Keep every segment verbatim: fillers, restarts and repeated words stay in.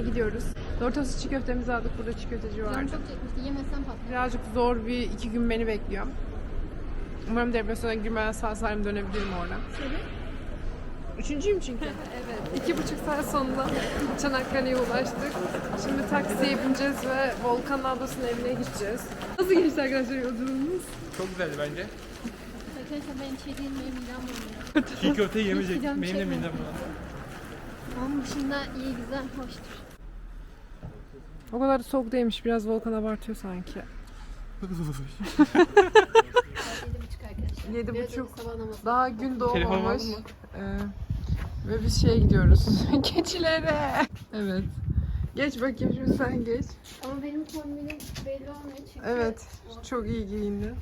gidiyoruz. Doritos çiğ köftemizi aldık. Burada çiğ köfteci vardı. Canım çok çekmişti. Yemezsem patlar. Birazcık zor bir iki gün beni bekliyor. Umarım depresyona girmeden sağ salim dönebilirim oradan. Seni? Üçüncüyüm çünkü. Evet. İki buçuk saat sonunda Çanakkale'ye ulaştık. Şimdi taksiye bineceğiz ve Volkan ablasının evine gideceğiz. Nasıl geçti arkadaşlar yolculuğumuz? Çok güzeldi bence. Arkadaşlar benim şey değil, benim midem bulanıyor. Çiğ köfteyi yemeyecek. Midem Benim de çekmiyor. midem bulandı. Onun dışında iyi, güzel, hoştur. O kadar da soğuk değilmiş. Biraz Volkan abartıyor sanki. Yedi buçuk arkadaşlar. Yedi Biraz buçuk. önce sabah namazı. Daha gün Telefonumu doğmamış. aldın mı? Ee, ve biz şeye gidiyoruz. Keçilere. Evet. Geç bakayım şimdi sen geç. Ama benim kombinim belli olmuyor çünkü. Evet. Çok iyi giyindi.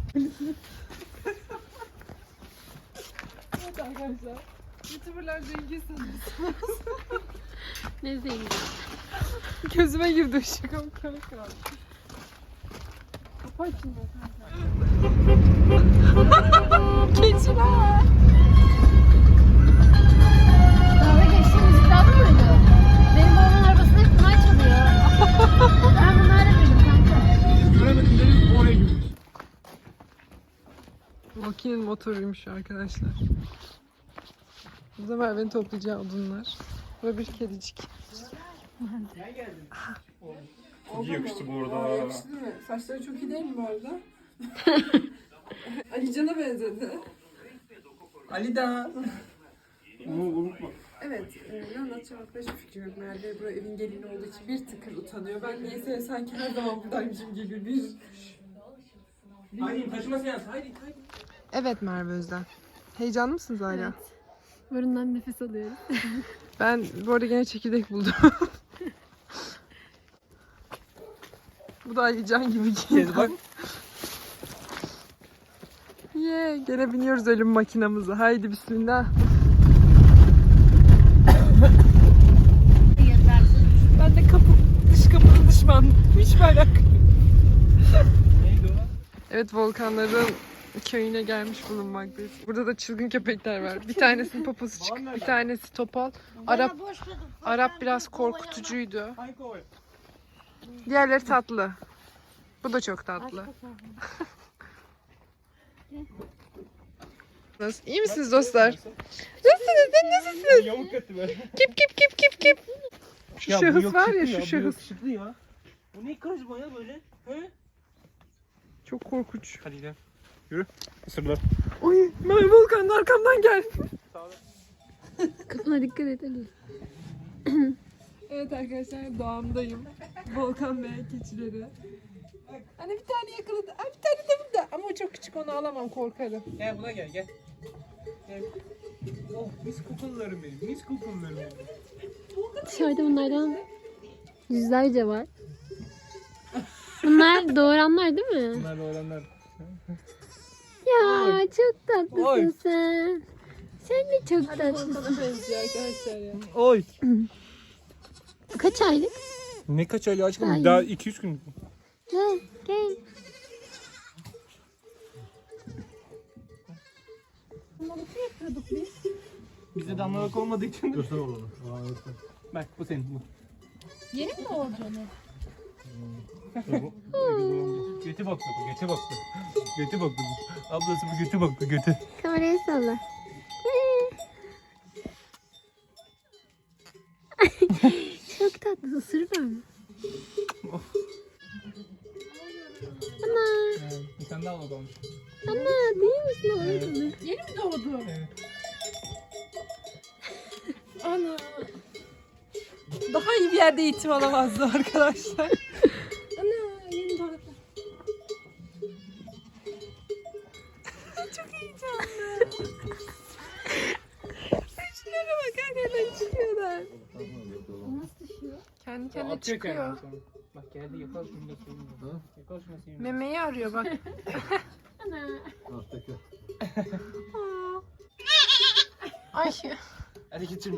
Evet arkadaşlar. YouTuber'lar zengin sanıyorsunuz. Ne zengin. Gözüme girdi ışık ama kara kara. Kapat şimdi kanka. Keçiler. Kahve geçti, müzik lazım mıydı? Benim babamın arabasında hep bunlar çalıyor. Ben bunlarla büyüdüm kanka. Göremedim dedim oraya girmiş. Makinenin motoruymuş arkadaşlar. Bu sefer beni toplayacağı odunlar. Ve bir kedicik. Çok iyi yakıştı bu arada. Yakıştı değil mi? Saçları çok iyi değil mi bu arada? Ali Can'a benzedi. Ali da. Onu unutma. Evet, e, ne anlatacağım hakkında hiçbir fikrim yok. Merve bu evin gelini olduğu için bir tıkır utanıyor. Ben niyeyse sanki her zaman buradaymışım gibi bir... Haydi taşıma seansı. Haydi haydi. Evet Merve Özden. Heyecanlı mısınız hala? Evet. Burundan nefes alıyoruz. Ben bu arada gene çekirdek buldum. Bu da Ali Can gibi giyindi. Kez bak. Ye, gene biniyoruz ölüm makinamıza. Haydi bismillah. Ben de kapı, dış kapının düşmanı. Hiç merak. Neydi o? Evet, Volkanların köyüne gelmiş bulunmaktayız. Burada da çılgın köpekler var. Bir tanesinin poposu çık, bir tanesi topal. Arap Arap biraz korkutucuydu. Hangi o? Diğerleri tatlı. Bu da çok tatlı. Nasıl? İyi misiniz dostlar? Nasılsınız? Sen nasılsın? Yamuk etti be. Kip kip kip kip kip. Şu Ya bu şahıs var ya, yakışıklı şu şahıs. Bu yakışıklı ya. Bu ne karizma ya böyle? He? Çok korkunç. Hadi gidelim. Yürü. Isırlar. Oy, Merve Volkan arkamdan gel. Kafana dikkat et Ali. Evet arkadaşlar, doğamdayım. Volkan ve keçileri. Hani bir tane yakaladı. Ay, bir tane de burada. Ama o çok küçük, onu alamam, korkarım. Gel buna gel gel. Gel. Oh mis kokunlarım benim. Mis kokunlarım benim. Dışarıda bunlardan yüzlerce var. Bunlar doğuranlar değil mi? Bunlar da olanlar. Ya çok tatlısın Oy. sen. Sen de çok tatlısın. Volkan'a benziyor arkadaşlar ya. Oy. Kaç aylık? Ne kaç aylık aşkım? Ay. Daha iki üç gün. Gel gel. Bizde damlalık olmadığı için. Göster oğlunu. Bak bu senin bu. Yeni mi doğurdu onu? Götü baktı bu, götü baktı. Götü baktı bu. Ablası bu götü baktı, götü. Kamerayı salla. Çok tatlı, ısırır mı? Ana, Bir tane daha oldu olmuş. ana değil misin o? Evet. Yeni mi doğdu? Evet. Ana. Daha iyi bir yerde eğitim alamazdı arkadaşlar. Ana, yeni doğdu. Çok heyecanlı. Şunlara bak, hakikaten çıkıyorlar. Nasıl düşüyor? Kendi kendine Atıyor çıkıyor. kendini sonra. Bak geldi yakal şunu da seveyim. Yakal şunu da seveyim. Memeyi arıyor bak. Ana. Aa. Ay. Hadi getir.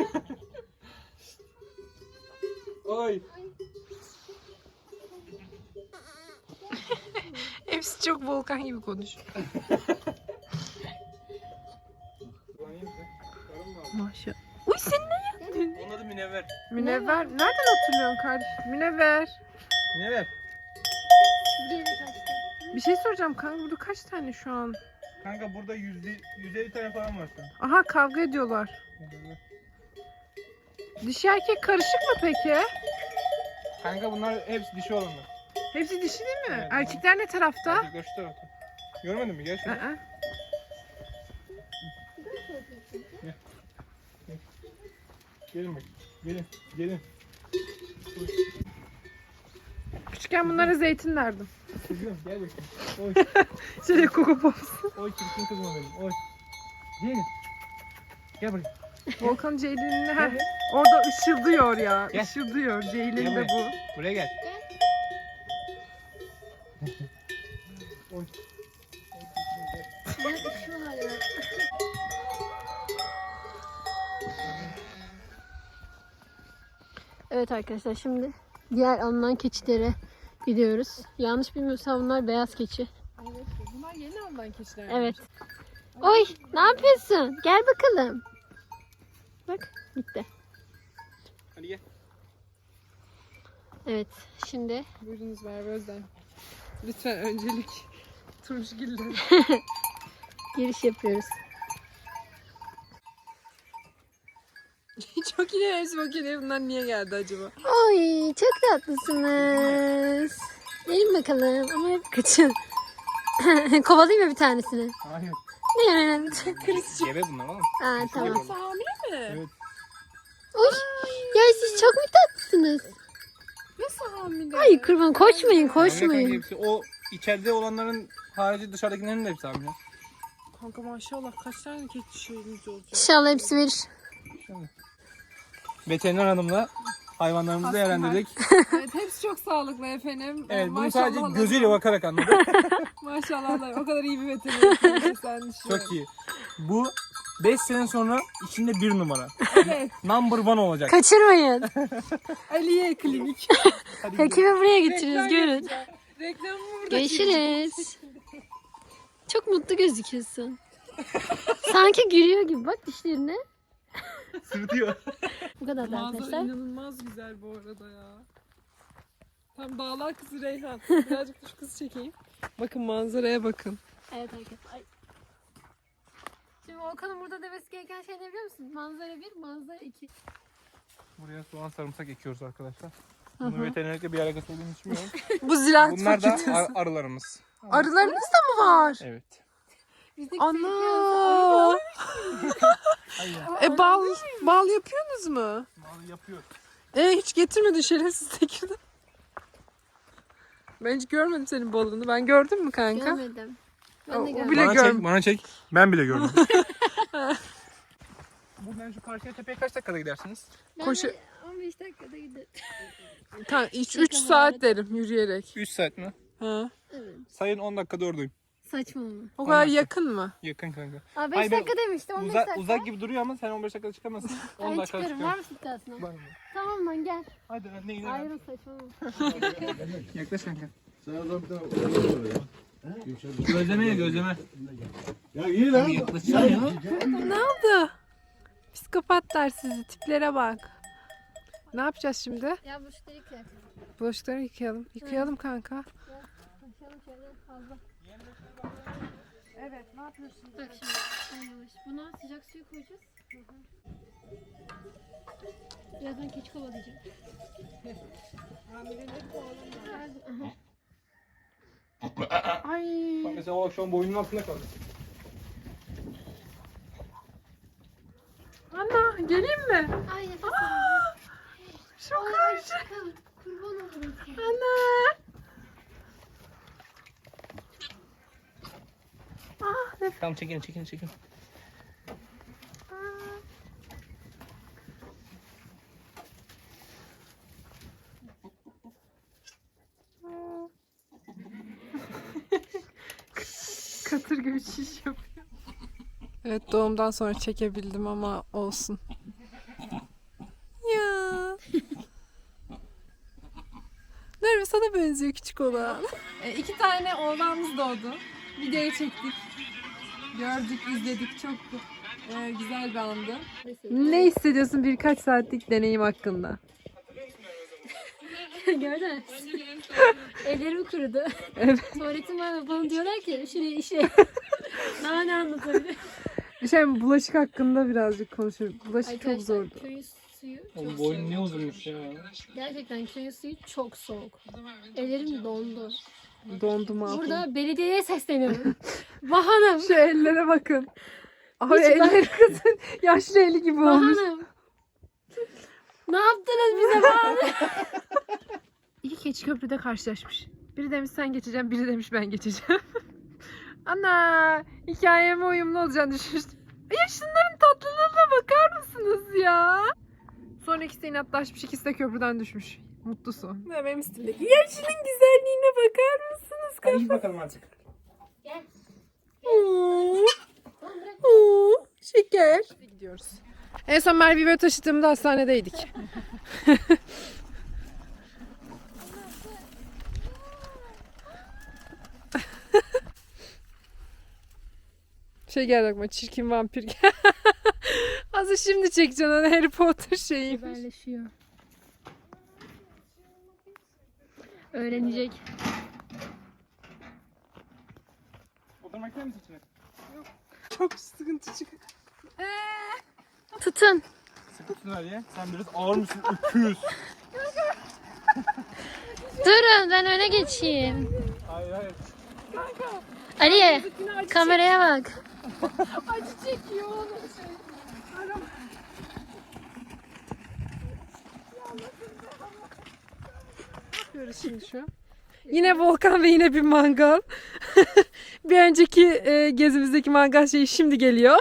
Oy. Hepsi çok Volkan gibi konuşuyor. Maşallah. Uy, sen ne yaptın? Onun adı Münevver. Münevver. Nereden hatırlıyorsun kardeşim? Münevver. Münevver. Geri kaçtı. Bir şey soracağım kanka, burada kaç tane şu an? Kanka burada yüzde yüz elli tane falan var şu an. Aha, kavga ediyorlar. Dişi erkek karışık mı peki? Kanka bunlar hepsi dişi olanlar. Hepsi dişi değil mi? Evet. Erkekler ne tarafta? Erkekler şu tarafta. Görmedin mi? Gel şuraya. Aa. Gelin bak. Gelin. Gelin. Küçükken bunlara zeytin derdim. Kızım gel bakayım. Oy. Şöyle Coco Pops. Oy çirkin kızım benim. Oy. Gelin. Gel buraya. Volkan Ceylin'in heh, orada ışıldıyor ya. Gel. Işıldıyor. Ceylin Gel de bu. Buraya gel. Oy. Ya üşüyorlar ya. Evet arkadaşlar, şimdi diğer alınan keçilere gidiyoruz. Yanlış bilmiyorsam bunlar beyaz keçi. Evet, bunlar yeni alınan keçiler. Evet. Oy, ne yapıyorsun? Gel bakalım. Bak, gitti. Hadi gel. Evet, şimdi Buyurunuz Merve Özden. Lütfen öncelik turşugiller. giriş yapıyoruz. Çok iyi, hepsi bakıyor. Bunlar niye geldi acaba? Oy, çok tatlısınız. Gelin bakalım ama hep kaçın. Kovalayayım mı bir tanesini? Hayır. Ne yani? Gebe bunlar oğlum. Aa, tamam. Hepsi hamile mi? Evet. Oy, ya siz çok mu tatlısınız? Nasıl hamile? Ay kurban, koşmayın, Hamile kanka koşmayın. hepsi. O içeride olanların harici dışarıdakilerin de hepsi hamile. Kanka maşallah kaç tane keçi şeyimiz olacak? İnşallah hepsi verir. Veteriner hanımla hayvanlarımızı Hasta değerlendirdik. Evet, hepsi çok sağlıklı efendim. Evet, bunu Maşallah sadece Allah. gözüyle bakarak anladık. Maşallah Allah. O kadar iyi bir veteriner. Sen düşün. Çok iyi. Bu beş sene sonra içinde bir numara. Evet. Number one olacak. Kaçırmayın. Aliye Klinik. Hadi gidelim. Hekimi buraya getiririz, Reklam görün. yapacağım. Reklamı burada. Görüşürüz. Çok mutlu gözüküyorsun. Sanki gülüyor gibi, bak dişlerine. Sırıtıyor. Bu kadar da Manzara arkadaşlar. inanılmaz güzel bu arada ya. Tam dağlar kızı Reyhan. Birazcık da şu kızı çekeyim. Bakın manzaraya bakın. Evet arkadaşlar. Ay. Şimdi Volkan'ın burada demesi gereken şey ne biliyor musun? Manzara bir, manzara iki. Buraya soğan sarımsak ekiyoruz arkadaşlar. Bunu veterinerlikle bir alakası olduğunu düşünmüyorum. Bu ziraat Bunlar da fakültesi. ar- arılarımız. Arılarınız da mı var? Evet. Bizdeki Ana. Hayır. E bal bal yapıyorsunuz mu? Mal yapıyor. E hiç getirmedin şerefsiz Tekirdağ. Ben hiç görmedim senin balını. Ben gördüm mü kanka? Görmedim. Ben de O- o görmedim. bile Bana görm- çek, bana çek. Ben bile gördüm. Buradan şu karşıya tepeye kaç dakikada gidersiniz? Ben Koşu- de on beş dakikada giderim. üç saat derim yürüyerek. üç saat mi? Ha. Evet. Sayın on dakikada oradayım. Saçma mı? O kadar dakika. yakın mı? Yakın kanka. Aa, beş Hayır, ben dakika demişti, on beş Uza, dakika. uzak gibi duruyor ama sen on beş dakikada çıkamazsın. on Ben dakikada çıkarım, var çıkıyorum. mısın iddiasına? Var mı? Tamam lan, gel. Hadi anne inelim. Ayrıl, saçmalama. Yaklaş kanka. Sen o zaman bir tane oraya ya. Gözleme ye gözleme. Ya iyi lan. Yaklaşsana ya. Ne oldu? Psikopatlar sizi. Tiplere bak. Ne yapacağız şimdi? Ya bu şu delik ya. Bulaşıkları yıkayalım. Yıkayalım kanka. Taşıyalım şöyle fazla. Evet, ne yapıyorsun? Bak şimdi, en yavaş. Buna sıcak suyu koyacağız. Birazdan keçi kovalayacağım. Ay. Bak mesela o akşam boynunun altında kaldı. Ana, geleyim mi? Ay nefes Çok Ay karşı. aşkım, kurban olurum sana. Ana. Tamam çekin çekin çekin. Katır gibi şiş yapıyor. Evet, doğumdan sonra çekebildim ama olsun. Ya. Nerede sana benziyor küçük olan. E, iki tane oğlanımız doğdu. Videoyu çektik. Gördük, izledik. Çok Ee, güzel bir andı. Ne hissediyorsun birkaç saatlik deneyim hakkında? Gördün mü? Ellerim kurudu. Evet. Tuvaletim var ve bana diyorlar ki şuraya işe. Daha ne anlatabilirim? Bir şey mi? Bulaşık hakkında birazcık konuşuyoruz. Bulaşık çok Arkadaşlar zordu. köyün suyu çok Oğlum soğuk. boyun ne uzunmuş ya. Gerçekten köyün suyu çok soğuk. Ellerim dondu. Dondum abi. Burada belediyeye sesleniyorum. Vahanım. Şu ellere bakın. Abi Hiç bak- elleri kızın yaşlı eli gibi olmuş. Vahanım. Ne yaptınız bize Vahanım? İki keçi köprüde karşılaşmış. Biri demiş sen geçeceğim, biri demiş ben geçeceğim. Ana, hikayeme uyumlu olacağını düşünmüştüm. Ya şunların tatlılığına bakar mısınız ya? Sonra ikisi de inatlaşmış, ikisi de köprüden düşmüş. Mutlu son. Ne benim üstümdeki. Ya şunun güzelliğine bakar mısınız? Hadi git bakalım artık. Gel. Oo, oo, şeker. Gidiyoruz. En son Merve'yi böyle taşıdığımda hastanedeydik. Şey geldi aklıma, çirkin vampir gel. Azı şimdi çekeceksin onu, Harry Potter şeyi. Haberleşiyor. Öğrenecek. Oturmak ister misin içine? Çok sıkıntı çıkıyor. Tutun. Sıkı tutun hadi. Sen biraz ağır mısın? Öküz. Durun ben öne geçeyim. Hayır hayır. Aliye kameraya bak. Acı çekiyor onu şey. Ne yapıyoruz şimdi şu an? Yine volkan ve yine bir mangal. Bir önceki e, gezimizdeki mangal şeyi şimdi geliyor.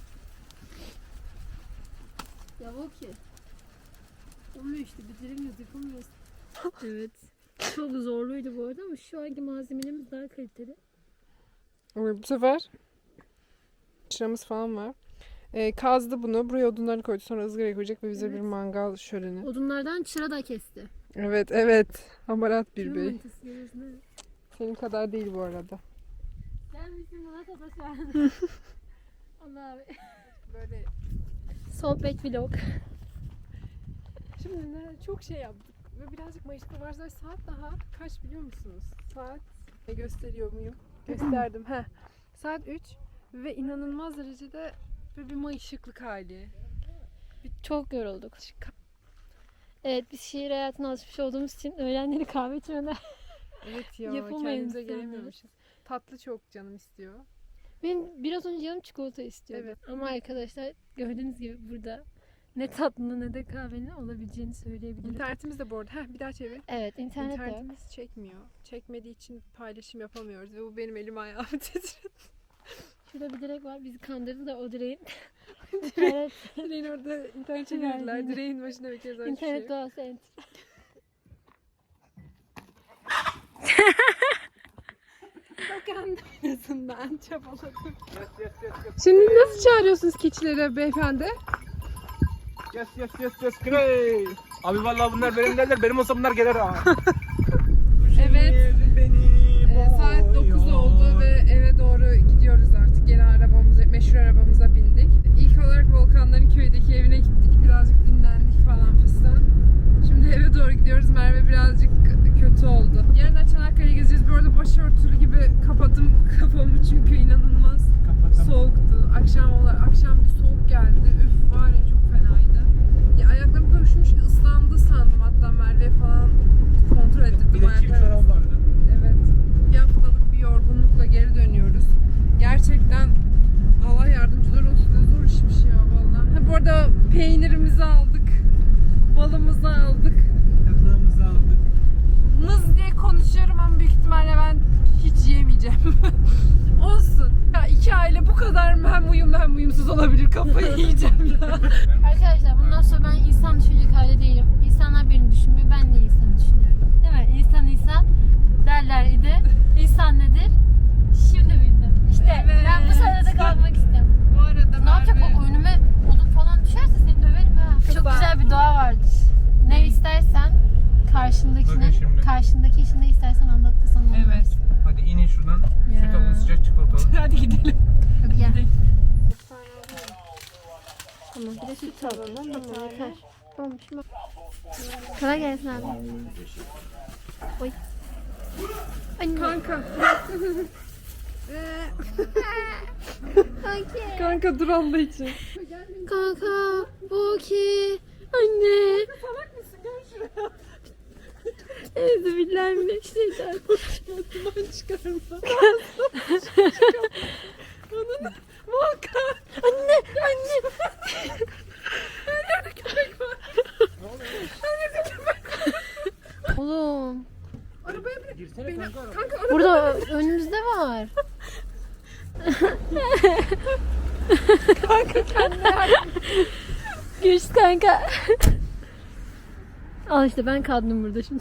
Ya bu ki. Olmuyor işte bitiremiyoruz yapamıyoruz. Evet. Çok zorluydu bu arada ama şu anki malzemelerimiz daha kaliteli. Bu sefer çıramız falan var. E, kazdı bunu. Buraya odunları koydu. Sonra ızgaraya koyacak ve bize Evet. bir mangal şöleni. Odunlardan çıra da kesti. Evet evet. Hamarat bir Kimin bey. manitası görüyorsun, evet. Senin kadar değil bu arada. Sen misin buna sataşan? Allah abi. Böyle Sohbet vlog. şimdi ne çok şey yaptık ve birazcık Mayıs'ta var. Saat daha kaç biliyor musunuz? Saat e, gösteriyor muyum? Gösterdim. Heh. Saat üç ve inanılmaz derecede böyle bir mayışıklık hali. Çok yorulduk. Evet biz şehir hayatına alışmış olduğumuz için öğlenleri kahve içmeden Evet ya, Yapamayız kendimize yani. gelemiyormuşuz. Tatlı çok canım istiyor. benim biraz önce canım çikolata istiyordu. Evet. Ama arkadaşlar gördüğünüz gibi burada ne tatlının ne de kahvenin olabileceğini söyleyebilirim. İnternetimiz de bu arada. Heh, bir daha çevir. Evet internet de yok. İnternetimiz çekmiyor. Çekmediği için paylaşım yapamıyoruz ve bu benim elim ayağımı titriyor. Şurada bir direk var bizi kandırdı da o direğin. evet. Direğin orada internet çevirdiler. Direğin başında bir kez öyle bir şey İnternet yok. doğası ent. Bakan en azından çabaladım. Yes yes yes yes. Şimdi nasıl çağırıyorsunuz keçileri beyefendi? Yes yes yes yes. Grey. Abi vallahi bunlar benim derler. Benim olsa bunlar gelir ha. Evet. Ee, saat dokuz oldu ve eve doğru gidiyoruz artık. Gene arabamıza, meşhur arabamıza bindik. İlk olarak Volkanların köydeki evine gittik. Birazcık dinlendik falan fistan. Şimdi eve doğru gidiyoruz. Merve birazcık kötü oldu. Yarın da Çanakkale'ye gezeceğiz. Bu arada başörtülü gibi kapattım kafamı çünkü inanılmaz soğuktu. Akşam olarak akşam bir soğuk geldi. Üf var ya, çok fenaydı. Ya ayaklarım böyle üşümüş ki ıslandı sandım, hatta Merve falan kontrol ettirdim Bir de çift ayaklarımı. şarap vardı. Evet. Bir haftalık bir yorgunlukla geri dönüyoruz. Gerçekten Allah yardımcılar olsun. Ne zor işmiş ya vallahi. Ha, bu arada peynirimizi aldık. Balımızı aldık. Yaprağımızı aldık. Mız diye konuşuyorum ama büyük ihtimalle ben hiç yiyemeyeceğim. Olsun. Ya iki aile bu kadar mı hem uyumlu hem uyumsuz olabilir? Kafayı yiyeceğim ya. Arkadaşlar bundan sonra ben insan düşünecek hali değilim. İnsanlar beni düşünmüyor. Ben de insanı düşünüyorum. Değil mi? İnsan insan derler idi. İnsan nedir? Şimdi bildim. İşte Evet. ben bu sırada kalmak istiyorum. Bu arada Ne yapacak Merve- bak önüme odun falan düşerse seni döverim ha. Çok Kızlar. güzel bir doğa vardır. Ne istersen Bakın karşındakine, şimdi. karşındaki işi ne istersen anlat da sana onu Evet. versin. Hadi inin şuradan. Ya. Süt alın, sıcak çikolatalı. Hadi gidelim. Hadi gel. süt alalım. Tamam yeter. Olmuş mu? Kolay gelsin abi. Oy. Anne. Kanka. Okey. Kanka dur Allah için. Kanka. Okey. Anne. Salak mısın? Gel şuraya. Evde billahi bir şeyler. Duman çıkarma. Ananı. Volkan. Anne. Anne. Her yerde köpek var. Her yerde köpek var. Oğlum. Arabaya bırak. Girsene Beni- kanka arabaya. Kanka arabaya. Burada önümüzde var. Kanka kendine yardım. Güç kanka. Al işte ben kaldım burada şimdi.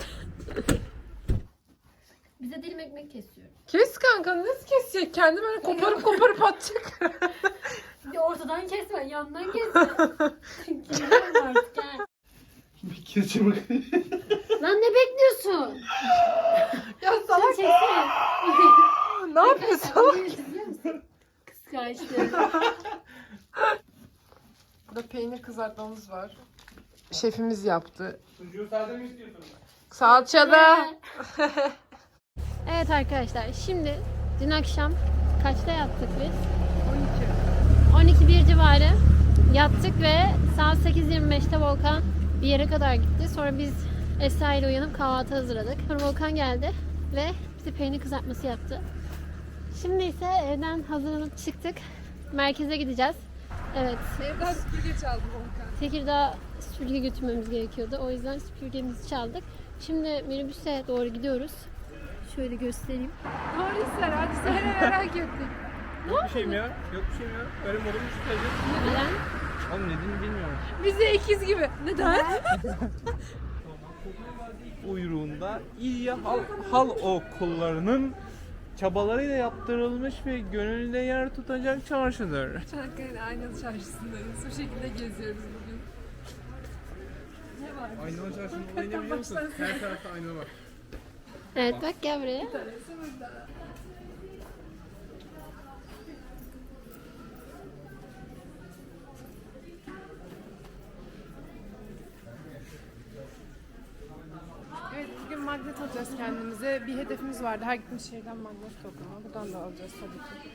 Bize dilim ekmek kesiyor. Kes kanka nasıl kesecek? Kendi böyle koparıp koparıp atacak. Ya ortadan kesme, yandan kesme. Kesiyorum artık ha. Bir keçi bak. Lan ne bekliyorsun? Ya Sen salak çeksene. ne yapıyorsun? Kıskançtı. Burada peynir kızartmamız var. Şefimiz yaptı. Sucuğu sade mi istiyorsun? Salçada. Evet arkadaşlar şimdi dün akşam kaçta yattık biz? on iki. on iki bir civarı yattık ve saat sekiz yirmi beşte Volkan bir yere kadar gitti. Sonra biz Esra ile uyanıp kahvaltı hazırladık. Sonra Volkan geldi ve bize peynir kızartması yaptı. Şimdi ise evden hazırlanıp çıktık. Merkeze gideceğiz. Evet. Evden süpürge çaldı Volkan. Tekirdağ süpürge götürmemiz gerekiyordu. O yüzden süpürgemizi çaldık. Şimdi minibüse doğru gidiyoruz. Şöyle göstereyim. Doğru ser hadi söyle merak ettim. Yok bir şeyim ya. Yok bir şeyim ya. Öyle modum şu teyze. Neden? Oğlum dediğini bilmiyorum. Bize ikiz gibi. Neden? Uyruğunda İlya Hal, Hal Okullarının çabalarıyla yaptırılmış ve gönülde yer tutacak çarşıdır. Çanakkale Aynalı Çarşısı'ndayız. Bu şekilde geziyoruz bugün. Ne var? Aynalı çarşının olayı ne biliyor musun? Her tarafta ayna var. Evet bak gel buraya. Bir tanesi burada. Evet bugün magnet alacağız kendimize. Bir hedefimiz vardı. Her gittiğimiz şehirden magnet toplama. Buradan da alacağız tabii ki.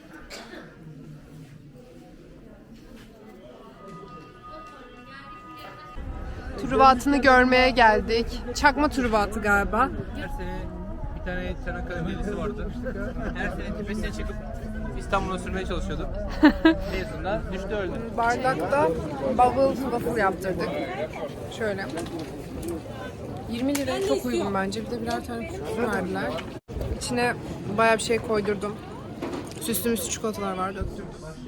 Truvatını görmeye geldik. Çakma truvatı galiba. Her sene bir tane Çanakkale delisi vardı. Her sene tepesine çıkıp İstanbul'a sürmeye çalışıyordu. Mezunlar düştü öldü. Bardakta bubble waffle yaptırdık. Şöyle. yirmi liraya çok uygun bence. Bir de birer tane küçük verdiler. İçine bayağı bir şey koydurdum. Süslü müslü çikolatalar var döktüm.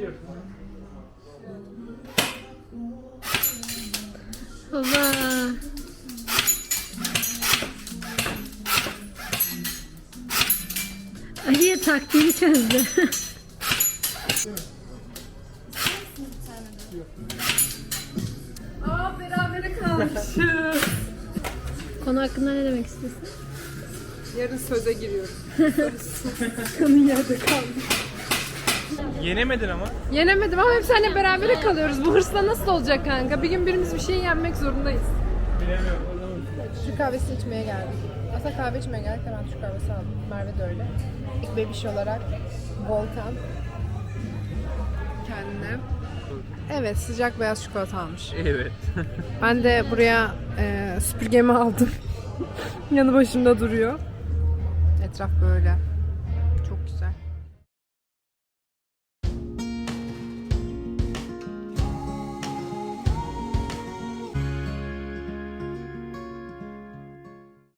Baba. Ali'ye taktiğini çözdü. Aa berabere kalmışız. Konu hakkında ne demek istiyorsun? Yarın söze giriyoruz. Kanın yerde kalmış. Yenemedin ama. Yenemedim ama hep seninle berabere kalıyoruz. Bu hırsla nasıl olacak kanka? Bir gün birimiz bir şey yenmek zorundayız. Bilemiyorum. Türk kahvesi içmeye geldik. Aslında kahve içmeye geldik. Ben Türk kahvesi aldım. Merve de öyle. İlk bebiş olarak Volkan kendine. Evet sıcak beyaz çikolata almış. Evet. Ben de buraya e, süpürgemi aldım. Yanı başımda duruyor. Etraf böyle. Çok güzel.